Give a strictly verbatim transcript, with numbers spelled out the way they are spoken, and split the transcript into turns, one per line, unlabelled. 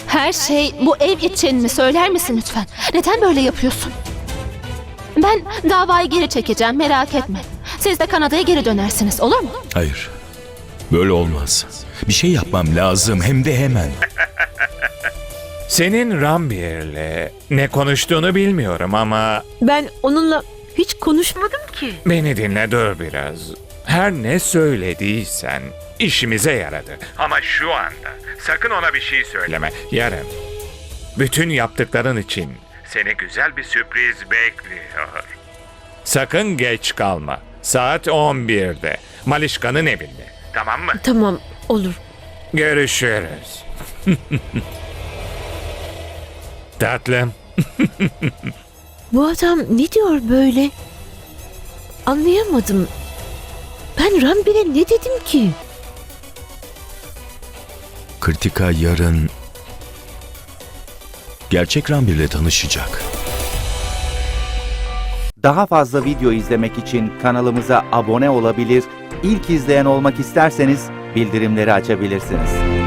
Her şey bu ev için mi? Söyler misin lütfen? Neden böyle yapıyorsun? Ben davayı geri çekeceğim, merak etme. Siz de Kanada'ya geri dönersiniz, olur mu?
Hayır. Böyle olmaz. Bir şey yapmam lazım, hem de hemen.
Senin Rambir'le ne konuştuğunu bilmiyorum ama
Ben onunla hiç konuşmadım ki.
beni dinle, dur biraz. Her ne söylediysen işimize yaradı. Ama şu anda sakın ona bir şey söyleme. Yarın bütün yaptıkların için seni güzel bir sürpriz bekliyor. Sakın geç kalma. Saat on birde Malişka'nın evinde. Tamam mı?
Tamam, olur.
Görüşürüz. Tatlım.
Bu adam ne diyor böyle? Anlayamadım. Ben Rambir'e ne dedim ki?
Kritika yarın gerçek Rambir'le tanışacak.
Daha fazla video izlemek için kanalımıza abone olabilir, ilk izleyen olmak isterseniz bildirimleri açabilirsiniz.